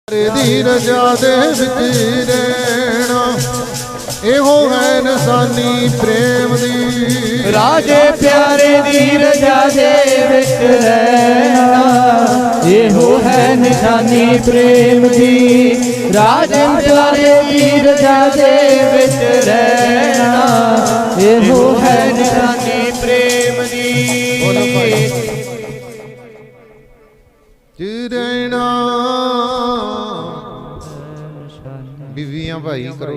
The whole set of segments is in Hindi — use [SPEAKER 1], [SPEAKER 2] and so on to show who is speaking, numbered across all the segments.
[SPEAKER 1] दी रजा दे विच रहना एहो है निशानी प्रेम दी।
[SPEAKER 2] राजे प्यारे दी रजा दे विच रहना एहो है निशानी प्रेम दी। राजे प्यारे दी रजा दे विच रहना एहो है निशानी प्रेम दी।
[SPEAKER 1] रहना बीवियां भाई करो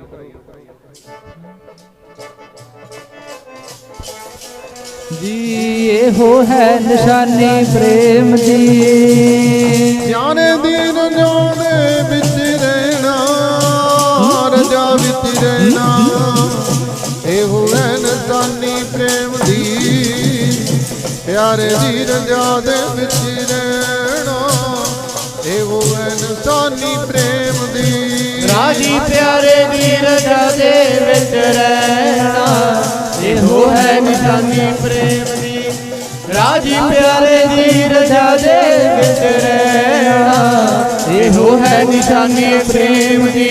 [SPEAKER 2] जी एहो है निशानी प्रेम दी।
[SPEAKER 1] जाने दीन जाने बिच रहना रजा बिच रहना एहो है निशानी प्रेम दी। प्यारे दी रजा दे बिच रहना एहो है निशानी प्रेम दी।
[SPEAKER 2] राजी प्यारे दी रजा दे विच रहना एहो है निशानी प्रेम दी। राजी प्यारे दी रजा दे विच रहना एहो है निशानी प्रेम दी।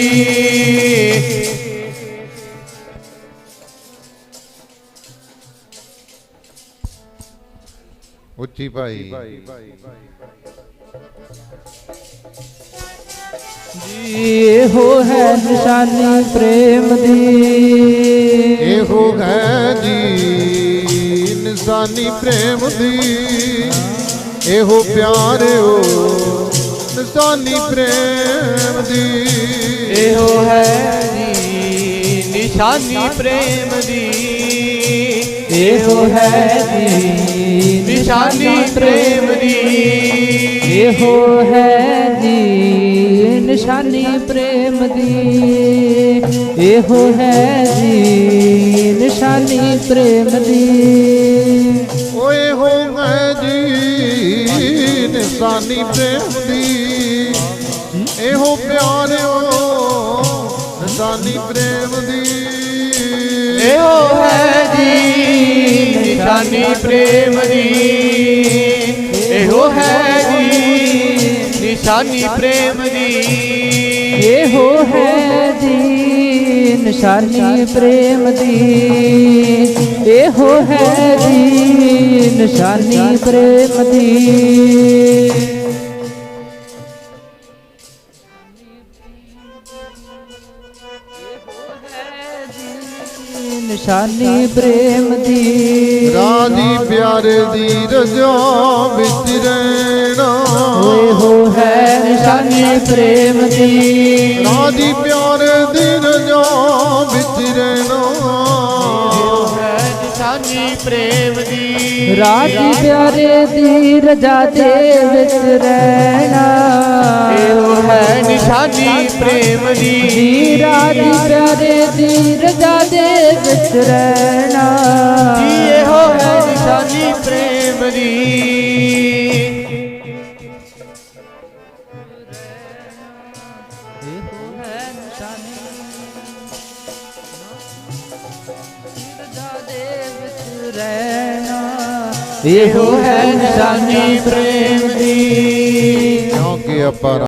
[SPEAKER 1] उच्ची भाई
[SPEAKER 2] एहो है निशानी प्रेम दी।
[SPEAKER 1] एहो है जी निशानी प्रेम दी। एहो प्यारे हो निशानी प्रेम दी।
[SPEAKER 2] एहो है जी निशानी प्रेम दी। एहो है जी निशानी प्रेम दी। एहो है जी निशानी प्रेम दी। एहो है जी निशानी प्रेम दी।
[SPEAKER 1] ओए हो है जी निशानी प्रेम दी। एहो प्यारे हो निशानी प्रेम दी।
[SPEAKER 2] एहो है जी निशानी प्रेम दी। एहो है जी निशानी प्रेम दी। एहो है जी निशानी प्रेम दी। एहो है जी निशानी प्रेम दी। निशानी प्रेम दी।
[SPEAKER 1] राजी प्यारे दी रजा विच रहना
[SPEAKER 2] एहो है निशानी प्रेम दी।
[SPEAKER 1] राजी प्यारे दी रजा विच रहना
[SPEAKER 2] एहो है निशानी प्रेम दी।
[SPEAKER 3] राजी प्यारे दी रजा दे विच रहना
[SPEAKER 2] एहो है निशानी प्रेम दी।
[SPEAKER 3] राजी प्यारे दी रजा दे विच रहना
[SPEAKER 2] एहो है निशानी प्रेम दी। एहो है निशानी प्रेम दी।
[SPEAKER 1] क्योंकि अपार